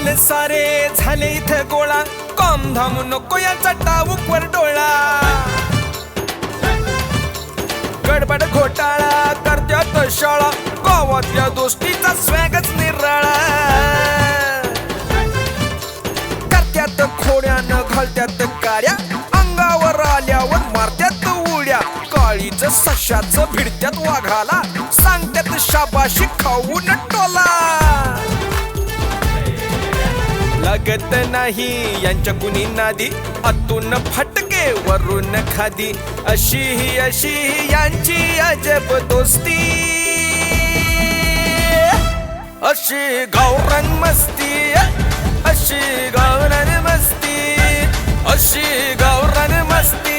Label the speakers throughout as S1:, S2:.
S1: झाले सारे झाले इथे गोळा कॉम धाम नको याचा टाऊकवर डोळा गडबड घोटाळा करत्यात शाळा गावातल्या दोस्तीचा स्वॅगच निराळा करत्यात खोड्यानं घालत्यात काड्या अंगावर आल्यावर मारत्यात उड्या काळीच सशाच भिडत्यात वाघाला सांगत्यात शाबाशी खाऊन टोला लागत नाही यांच्या कुणी नादी आतून फटके वरून खादी अशी यांची अजब दोस्ती अशी गावरान मस्ती अशी गावरान मस्ती अशी गावरान मस्ती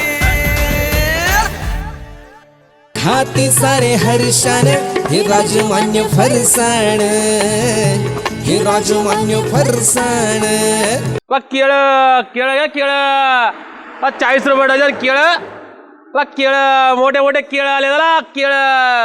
S2: हाती सारे हर्षान हे राजमान्य फरसाण हे राजमान्य फरसाण
S3: केळ केळ घ्या केळ 40 रुपये डझन केळ केळ मोठे मोठे केळ आले जरा केळ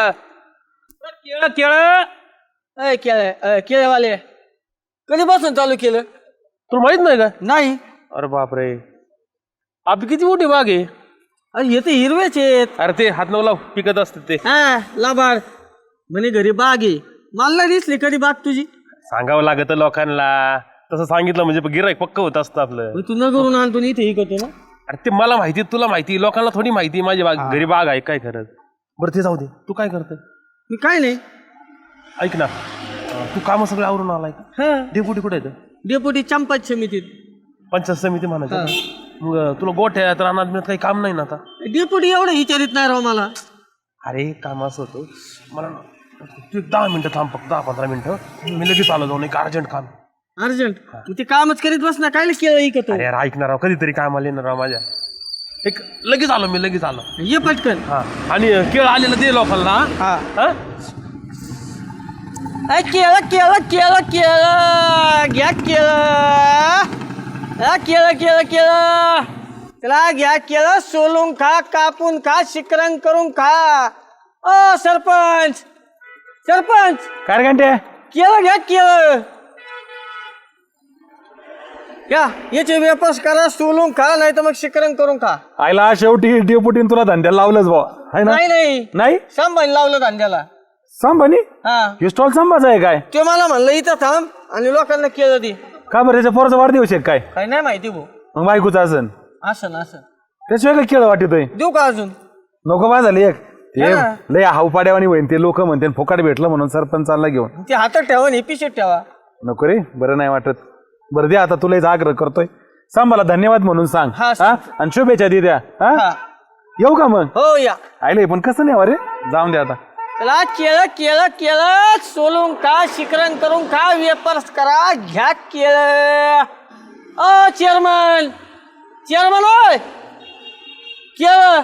S3: केळ केळ
S4: केळेवाले कधीपासून चालू केलं
S3: तुला माहित नाही का
S4: नाही.
S3: अरे बापरे आपली किती मोठी बाग आहे
S4: अरे हे तर हिरवेच आहेत.
S3: अरे ते हात नऊ लाव पिकत असते ते
S4: हा लाभाड म्हणे घरी बाग आहे मला नाही दिसली कधी बाग तुझी.
S3: सांगावं लागत लोकांना तसं सांगितलं म्हणजे गिऱ्हाईक पक्क होत असतं आपलं
S4: तू न करून आणतो इथे इकडतो ना.
S3: अरे ते मला माहिती तुला माहिती लोकांना थोडी माहिती माझी बाग घरी बाग आहे काय खरंच बरं ते जाऊ दे तू काय करतोय
S4: मी काय नाही.
S3: ऐक ना तू काम सगळं आवरून आलाय का
S4: हा
S3: डेपुटी कुठे येतं
S4: डेपुटी चंपात समितीत.
S3: पंचायत समिती म्हणायचं मग तुला गोठ्यात रानात मिळत काही काम नाही ना आता
S4: डेपुटी एवढं विचारित नाही राव मला.
S3: अरे काम असं होतं मला तू 10 मिनिटं थांब फक्त 10-15 मिनिटं मी लगेच आलो जाऊन एक अर्जंट काम
S4: अर्जंट ते कामच करीत बस ना काय केलं इकतो.
S3: अरे यार ऐकणार राव कधीतरी कामाला येणार राव माझ्या एक लगेच आलो मी लगेच आलो
S4: ये पटकन.
S3: हा आणि केळ आलेलं दे लोकांना
S4: हा
S3: हा
S4: केळं केळं केळं केळं घ्या केळं केळं केळं केळं चला घ्या केळं सोलून खा कापून खा शिकरण करून खा. ओ सरपंच सरपंच
S3: काय घंटे
S4: केळं घ्या केळं घ्या याचे वेपर्स करा सोलून खा नाही तर मग शिकरण करून खा.
S5: आयला शेवटी डेपुटीन तुला धंद्याला लावलंच बा है ना
S4: नाही नाही
S5: नाही
S4: सांभाळून लावलं धंद्याला.
S5: सांभानी
S4: हा
S5: हे स्टॉल सांभाचा आहे काय
S4: ते मला म्हणलं इथं थांब आणि लोकांना केळं दे.
S5: का बरं त्याच्या पोराचा वाढदिवस आहे काय
S4: काही नाही माहिती भाऊ.
S5: मग बायकोचा असन
S4: असं ना असं
S5: त्याशिवाय काय केळं वाटतोय
S4: देऊ का अजून.
S5: नको बा झाली एक ते
S4: हा.
S5: लय हावपाड्यावानी होईन ते लोक म्हणते फुकाट भेटलं म्हणून सरपंचाला घेऊन
S4: ते हातात ठेवा आणि पिशवीत ठेवा.
S5: नको रे बरं नाही वाटत बरं दे आता तुला आग्रह करतोय सांभाला धन्यवाद म्हणून सांग
S4: हा,
S5: हा आणि शुभेच्छा दे द्या हा
S4: हा
S5: येऊ का मग
S4: हो या.
S5: आयले पण कसं नाही रे जाऊन दे आता
S4: चला केळं केळं केळं सोलून खा शिकरण करून खा वेपर्स करा घ्या केळं. ओ चेअरमन चेअरमन होय केळं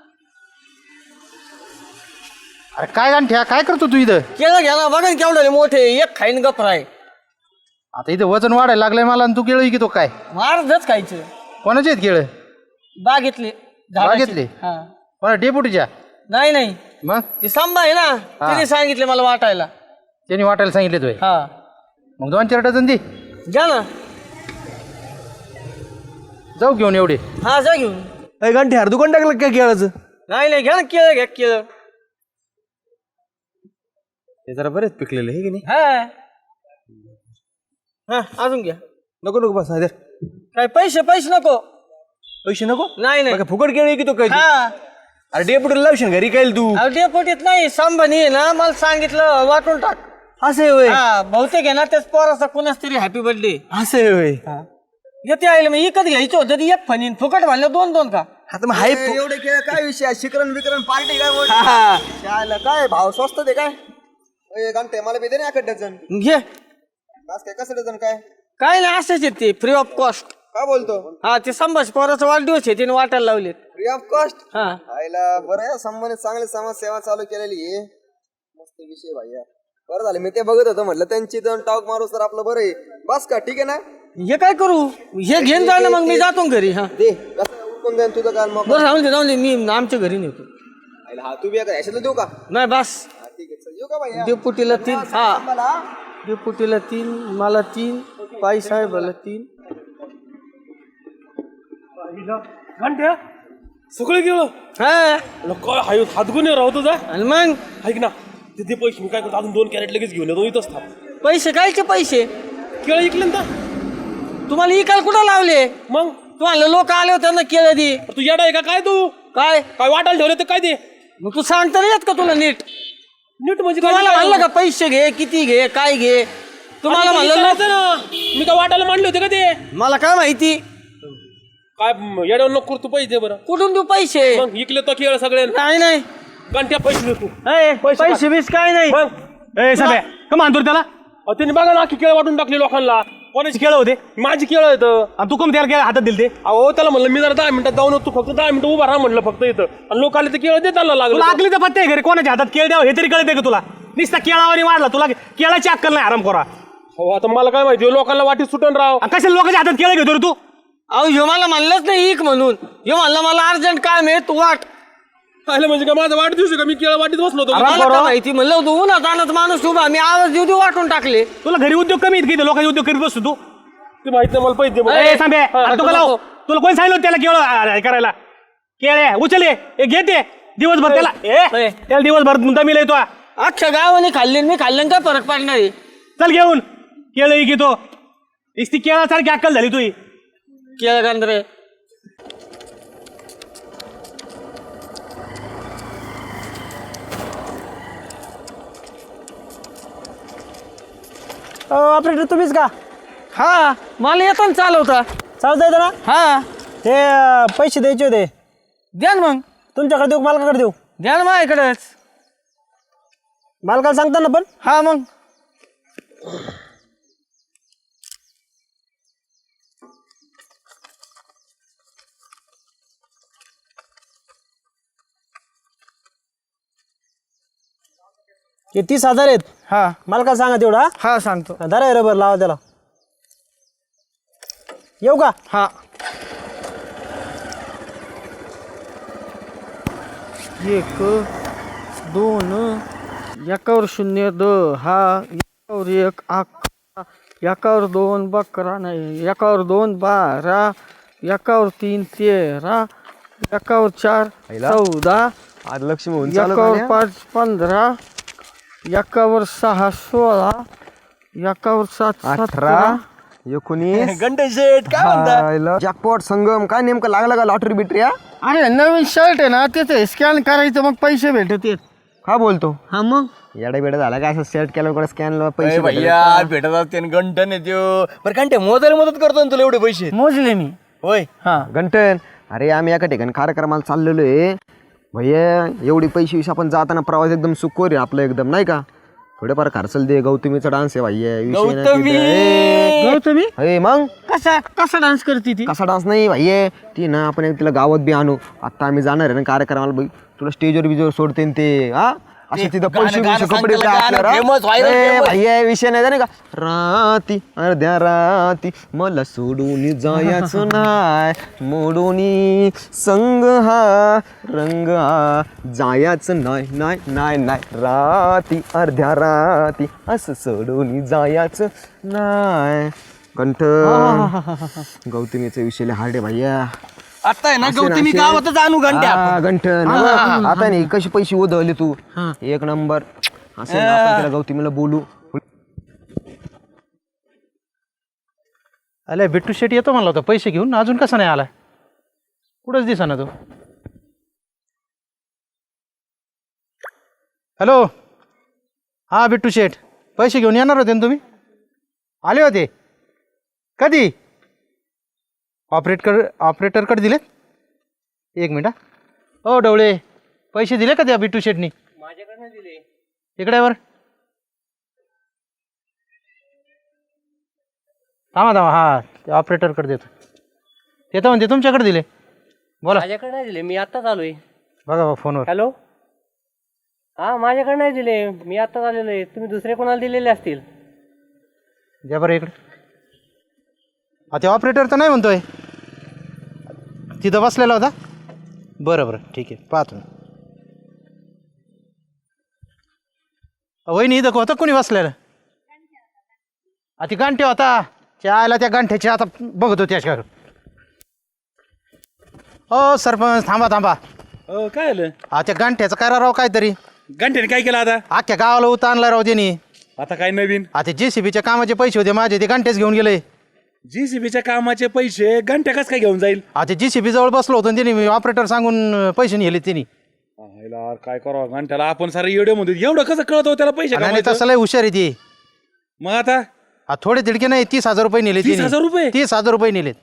S6: अरे काय गांठ्या काय करतो तू इथं
S4: केळं घ्या ना बघा ना केवढे मोठे एक खाईन गप्र आहे.
S6: आता इथं वजन वाढायला लागलंय मला आणि तू केळं की तो काय
S4: अर्धच खायचं.
S6: कोणाचे आहेत केळं
S4: बागेतले
S6: बागेतले?
S4: हा
S6: कोणा डेपुटीच्या
S4: नाही नाही
S6: मग
S4: ते सांबा आहे ना त्याने सांगितले मला वाटायला.
S6: त्यांनी वाटायला सांगितले तुय
S4: हा
S6: मग 2-4 डझन दे
S4: घ्या ना.
S6: जाऊ घेऊन एवढे
S4: हा जा घेऊन.
S2: घंटे हर दुकान टाकलं काय केळाचं
S4: नाही नाही घ्या ना केळं घ्या केळं.
S2: ते जरा बरेच पिकलेलं हे की नाही
S4: हा हा अजून घ्या.
S2: नको नको बस हायदर
S4: काय पैसे पैसे नको
S2: पैसे नको
S4: नाही नाही.
S2: बघा, फुकट केळी की तो काय
S4: हा
S2: अरे डेपुटीला लावशील घरी काय तू
S4: अहो, डेपुटीत नाही संभानी आहे ना मला सांगितलं वाटून टाक.
S2: असं होय
S4: हा बहुतेक आहे ना त्याच पोराचा कोणाच तरी हॅपी बर्थडे
S2: असं होय
S4: येते आईल मग इकत घ्यायचं होतं ते एक फणीन फुकट म्हणलं 2-2 का.
S2: आता मग हाय
S7: एवढे खेळ काय विषय शिकरण विकरण पार्टी काय काय भाव स्वस्त ते काय घंटे मला बी दे ना एक डझन
S4: घे
S7: बस काय कसं डझन काय
S4: काय नाही असंच येते फ्री ऑफ कॉस्ट.
S7: काय बोलतो
S4: हा ते संभाष पोराचा वाढदिवस आहे तिने वाटायला लावलेत.
S7: फ्री ऑफ कॉस्ट
S4: हा
S7: आईला बरं आहे संबंधित चांगली समाज सेवा चालू केलेली आहे मस्त विषय भाई बरं झालं मी ते बघत होतो म्हटलं त्यांची दोन टाक मारू तर आपलं बरं आहे बस का ठीक आहे ना
S4: हे काय करू हे घेऊन जा ना मग मी जातो घरी. हा
S7: दे कसं उरकून जाईन तुझं काल मग
S4: बरं जाऊन दे मी आमच्या घरी नेतो.
S7: आईला हा तू बी याच्यातलं देऊ का
S4: नाही बस
S7: ठीक आहे चल येऊ का भाई
S4: डेपुटीला 3 हा डेपुटीला 3 मला 3 पैसा आहे भलं 3.
S3: घंट्या सगळं गेलं
S4: हा
S3: काय हाय हातगुन्हे राहतो तुझा
S4: आणि मग
S3: ऐक ना ते पैसे मी काय करतो अजून 2 कॅरेट लगेच घेऊन येतो इथंच थांब
S4: पैसे कायचे पैसे
S3: केळं ऐकलं ना
S4: तुम्हाला इकाल कुठं लावले?
S3: मग
S4: तुम्हाला लोक आले होते ना केलं ती.
S3: तू येडा आहे का काय तू
S4: काय
S3: काय वाटायला ठेवले ते काय ते
S4: मग तू सांगता नाही येत का तुला नीट?
S3: नीट म्हणजे
S4: तुम्हाला म्हणलं का पैसे घे, किती घे, काय घे? तुम्हाला म्हणलं
S3: ना मी काय वाटायला मांडले होते का ते
S4: मला काय माहिती?
S3: काय येड्यावर नको तू पैसे दे बरं
S4: कुठून देऊ पैसे?
S3: मग इकले तो केळ सगळे
S4: नाही नाही
S3: घंट्या पैसे देतो
S4: पैसे बीस काय नाही.
S3: मग
S2: ए साबे का मानतो रे त्याला?
S3: त्यांनी बघा ना की केळ वाटून टाकले लोकांना.
S2: कोणाची केळं होते
S3: माझी केळ येतं
S2: आणि तू कम त्याला केळं हातात दिल ते?
S3: अहो त्याला म्हणलं मी जरा 10 मिनिटात जाऊन तू फक्त 10 मिनिटं उभा राहा म्हणलं फक्त इथं आणि लोक आले तर केळ देताना लागलं
S2: तुला आकलीचा पत्ते आहे घरी कोणाच्या हातात केळ द्यावं हे तरी कळते का तुला? नुसता केळावानी वाढला तुला केळाची अक्कल नाही आराम करा.
S3: हो आता मला काय माहिती लोकांना वाटी सुटून राव
S2: कशा लोकांच्या हातात केळं घेतो रे तू?
S4: अहो ह्यो मला म्हणलंच नाही इक म्हणून. ह्यो म्हणलं मला अर्जंट काम आहे तू वाट.
S3: आलं म्हणजे का माझा वाट दिवशी का मी केळ वाटीत बसलो होतो
S4: मला काय माहिती म्हणलं होतं उन्हात आणत माणूस उभा मी आवाज देऊ देऊ वाटून टाकले.
S2: तुला घरी उद्योग कमी आहेत की लोकांचे उद्योग करीत बसतो तू?
S3: ते माहित नाही मला पैसे दे.
S2: ए सांबे अरे तू का लाव? तुला कोण सांगितलं त्याला केळं करायला? केळे उचल हे घेते दिवसभर त्याला त्याला दिवसभर दमी येतो.
S4: अख्ख्या गावाने खाल्ले मी खाल्ल्यान काय फरक पडणार आहे?
S2: चल घेऊन केळं घेतो. ती केळासारखी अक्कल झाली तुझी.
S4: केळ गांधरे
S2: ऑपरेटर तुम्हीच का?
S4: हा मला येतो ना चालवता.
S2: चालतं येतं ना?
S4: हा
S2: ते पैसे द्यायचे होते
S4: द्या ना मग.
S2: तुमच्याकडे देऊ मालकाकडे देऊ?
S4: द्या ना माझ्याकडेच.
S2: मालकाला सांगता ना पण?
S4: हा मग
S2: हे 30,000 आहेत.
S4: हा
S2: मालकाला सांगा तेवढा.
S4: हा सांगतो.
S2: धरा रबर लावा त्याला. येऊ का?
S4: हा 1 2 एकावर 0 10 एकावर 1 11 एकावर 2 11 नाही एकावर 2 12 एकावर 3 13 एकावर 4 14
S7: आज लक्ष्मी होऊन
S4: एकावर 5 15 एकावर 6 16 एकावर 7 17
S7: 19
S2: घंटे शेट काय म्हणता?
S7: जॅकपॉट संगम काय नेमकं लागला का लॉटरी बिटरी?
S4: अरे नवीन शर्ट आहे ना त्याचं स्कॅन करायचं मग पैसे भेटत येत.
S7: हा बोलतो
S4: हा मग
S7: येडा बेडा झाला काय असं सेट केलं स्कॅन पैसे
S2: भैया भेटत असते घंटन येतो बरं घंटे मोजायला मदत करतो ना तुला एवढे पैसे?
S4: मोजले मी.
S2: होय
S4: हा
S7: घंटन अरे आम्ही एका ठिकाणी कार्यक्रमाला चाललेलो आहे भैया. एवढी पैसे विषय आपण जाताना प्रवास एकदम सुखोर आहे आपलं एकदम नाही का? थोडेफार खर्चल दे. गौतमीचा डान्स आहे भैया
S4: गौतमी
S7: विषय मग
S4: कसा डान्स करते ती?
S7: कसा डान्स नाही भैया ती ना आपण तिला गावात बी आणू. आता आम्ही जाणार आहे ना कार्यक्रमाला बाई तुला स्टेजवर बिजवर सोडते ते हा असं तिथं पैसे कपडे भैया विषय नाही जाणे का? राती अर्ध्या राती मला सोडून जायचं नाही मोडून संग हा रंग हा जायचं नाही नाही नाही नाही राती अर्ध्या राती असं सोडून जायचं नाही. कंठ गौतमीचा विषय हार्ड आहे भैया.
S2: आता आहे ना गौतमी गावातच आणू घंट्या.
S7: गंठन आता नाही कशी पैसे उधळले तू एक नंबर असं ना, आपण त्याला गौतमीला बोलू.
S6: अरे बिट्टू शेट येतो म्हणला होता पैसे घेऊन अजून कसा नाही आला? कुठंच दिसा ना तो. हॅलो हा बिट्टू शेट पैसे घेऊन येणार होते ना तुम्ही? आले होते कधी? ऑपरेटरकडे दिलेत? एक मिनिट. ओ डवळे पैसे दिले का त्या बिट्टू शेटनी?
S3: माझ्याकडनं दिले.
S6: इकडे वर थांबा हा ऑपरेटरकडे देतो. येतो म्हणते तुमच्याकडे दिले. बोला.
S3: माझ्याकडे नाही दिले मी आत्ताच आलोय.
S6: बघा फोनवर.
S3: हॅलो हा माझ्याकडे नाही दिले मी आत्ताच आलेलो आहे. तुम्ही दुसरे कोणाला दिलेले असतील.
S6: द्या बरं इकडे. ते ऑपरेटर तर नाही म्हणतोय तिथं बसलेला होता. बरं ठीक आहे पाहतो. वहिनी इथं होता कोणी बसलेलं? ती गांठी होता त्याला त्या गांठ्याची आता बघतो त्याच्यावर. हो सरपंच थांबा थांबा.
S5: काय आलं
S6: त्या गांठ्याचं करा राव काहीतरी.
S5: घंट्याने काय केलं आता?
S6: अख्ख्या गावाला उत आणला राव त्यांनी.
S5: आता काय नवीन?
S6: आता JCBच्या कामाचे पैसे होते माझे, ते गांठ्याच घेऊन गेले.
S5: JCBच्या कामाचे पैसे घंट्या कस काय घेऊन जाईल?
S6: आता JCB जवळ बसलो होतो आणि त्यांनी ऑपरेटर सांगून पैसे नेले त्यांनी.
S5: काय करावं घंट्याला? आपण सारे एवढे म्हणतो, एवढं कसं कळत त्याला पैसे
S6: नाही
S5: कमवायचं?
S6: तसं लय हुशार आहे ते.
S5: मग आता
S6: थोडे तिडके नाही, 30,000 रुपये नेले.
S5: 30,000 रुपये?
S6: 30,000 रुपये नेलेत.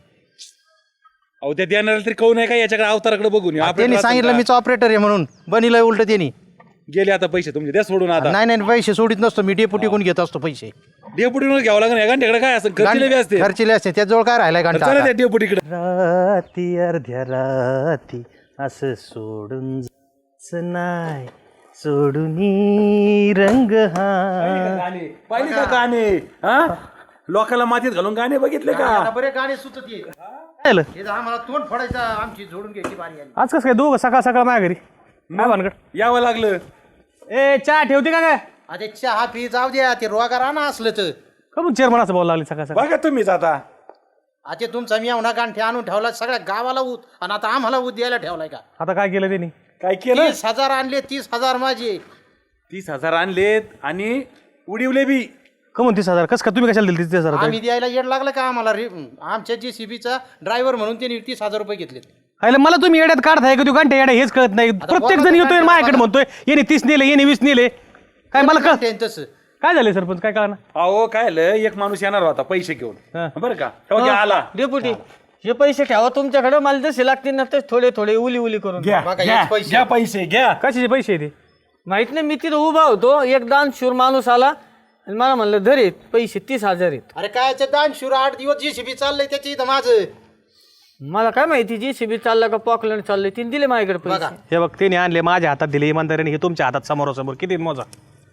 S5: अहो त्या देणाऱ्याला तरी कळू नाही का याच्याकडे अवताराकडे बघून येऊ.
S6: त्यांनी
S5: आपल्याला
S6: सांगितलं
S5: सांगा.
S6: मीच ऑपरेटर आहे म्हणून. बनिलंय उलट त्यांनी.
S5: गेले आता पैसे तुमचे, द्या सोडून आता.
S6: नाही नाही पैसे सोडित नसतो मी, डेपुटी कोण घेत असतो पैसे.
S5: डेपुटीवर घ्यावं लागेल. या घंट्याकडे काय असं खर्चले बी असते.
S6: खर्चिले असते त्याजवळ काय राहिलाय
S5: चला
S6: घंटा.
S5: त्या डेपुटीकडे.
S2: राती अर्ध्या राती असं सोडून जायचं नाही, सोडून रंग हा.
S5: पाहिजे का गाणे? हा लोकांना मातीत घालून गाणे बघितले का?
S6: बरे गाणे सुचत
S2: काय झालं?
S6: आम्हाला तोंड फोडायचं, आमची जोडून घ्यायची बारी आली.
S2: आज कसं काय दोघं सकाळ सकाळ माझ्या घरी? काय भानगड?
S5: यावं लागलं.
S2: ए चहा ठेवते का काय?
S6: अरे चहा पी जाऊ द्या, ते रोगा राणा असलं तर.
S2: का मग चेअरमन असं बोलायला लागली सकाळ सकाळ?
S5: बघा तुम्हीच आता.
S6: आता तुमचा मी एवढा गांठे आणून ठेवला सगळ्या गावाला ऊत, आणि आता आम्हाला ऊत द्यायला ठेवलाय का?
S2: आता काय केलं त्यांनी?
S5: काय केलं?
S6: 30,000 आणले, 30,000 माझे.
S5: 30,000 आणलेत आणि उडीवले बी.
S2: का म्हणून 30,000? कसं का तुम्ही कशाला दिली 30,000?
S6: आम्ही द्यायला येड लागलं का आम्हाला आमच्या JCBचा ड्रायव्हर म्हणून त्यांनी 30,000 रुपये घेतले.
S2: अरे मला तुम्ही येड्यात काढताय का? तू घंटे येड्या हेच कळत नाही. प्रत्येक जण येतोय माझ्याकडे म्हणतोय येणे 30 नेले, येणे 20 नेले. काय मला कळ
S6: तसं
S2: काय झालं सरपंच? काय कळणार?
S5: अहो काय आलं, एक माणूस येणार होता पैसे घेऊन, बरं का? तेव्हा ते आला.
S4: डेपुटी हे पैसे ठेवा तुमच्याकडे, मला जसे लागतील ना ते थोडे थोडे उली उली करून
S5: घ्या
S6: बघा,
S5: घ्या,
S6: हेच पैसे.
S5: घ्या पैसे घ्या.
S2: कशाचे पैसे ते?
S4: माहित नाही, मी तिथं उभा होतो, एक दानशूर माणूस आला आणि मला म्हणलं धरे पैसे 30,000 आहेत.
S6: अरे काय दानशूर 8 दिवस JCB चाललंय त्याची इथं माझं.
S4: मला काय माहिती JCB चालला का पॉकलँड चाललंय, तिने दिले माझ्याकडे पैसे.
S2: हे बघ त्याने आणले माझ्या हातात दिले इमानदारीने, हे तुमच्या हातात समोरासमोर. किती मोजा?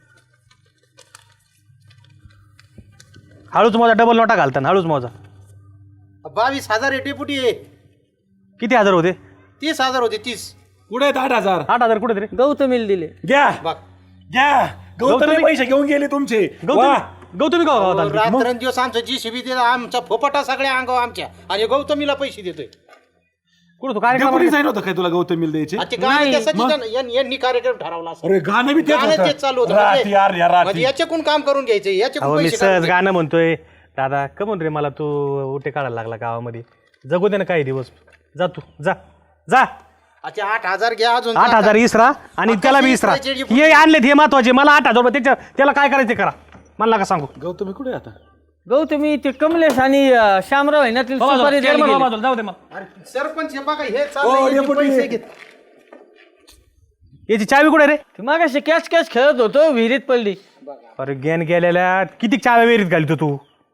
S2: हळूच मोजा, डबल नोटा घालताना हळूच मोजा.
S6: 22,000 आहे डेपुटी आहे.
S2: किती हजार होते?
S6: 30,000 होते. 30.
S5: कुठे आहेत 8,000?
S2: 8,000 कुठे तरी?
S4: गौतमीला दिले.
S5: घ्या
S6: बघ
S5: घ्या. गौतमी पैसे घेऊन गेले तुमचे. वा.
S2: गौतमी का गावात आलती?
S6: रात्रंदिवस आमचं JCB दिला, आमचा फोपटा सगळ्या अंगावर आमच्या, आणि गौतमीला पैसे देतोय.
S2: कुठं तू कार्यक्रम?
S5: डेपुटी जाईल होतं काय तुला गौतमीला द्यायचे?
S6: आणि ते गाणं त्यासाठी यांनी कार्यक्रम ठरवला असं.
S5: अरे गाणं बी तेच
S6: गाणं
S5: होतं.
S6: तेच चालू होतं.
S5: राती यार या
S6: म्हणजे
S5: राती.
S6: याच्याकडून काम करून घ्यायचं,
S2: अहो
S6: याच्याकडून
S2: मी
S6: पैसे
S2: सहज
S6: काढायचे.
S2: गाणं म्हणतोय. दादा कमून रे मला तू उठे काढायला लागला गावामध्ये. जगू दे ना काही दिवस. जा तू जा जा.
S6: अच्छा 8,000 घ्या अजून.
S2: 8,000 इसरा आणि त्याला बी इसरा. हे आणलेत हे महत्वाचे. मला 8,000 रुपये त्याला काय करायचं करा मला का सांगू.
S5: गौतमी कुठे आहे आता?
S4: गौतमी ते कमलेश आणि श्यामराव आहे ना ते सुपारी द्यायला गेले.
S2: जाऊ दे मग.
S6: अरे सरपंच हे बघा हे चाललंय, यांनी पैसे घेत.
S2: याची चावी कुठे रे?
S4: ते मागाशी कॅच कॅच खेळत होतो, विहिरीत पडली.
S2: अरे गेन गेलेल्या किती चाव्या वेरीत घालतो तू.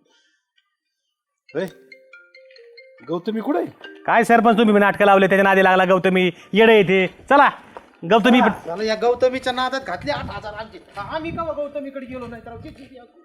S5: गौतमी कुठे आहे?
S2: काय सरपंच तुम्ही नाटकं लावले त्याच्या नादी लागला. गौतमी येडे येते. चला गौतमी
S6: झालं, या गौतमीच्या नादात घातले 8,000 आमचे. आम्ही का गौतमीकडे गेलो नाही तर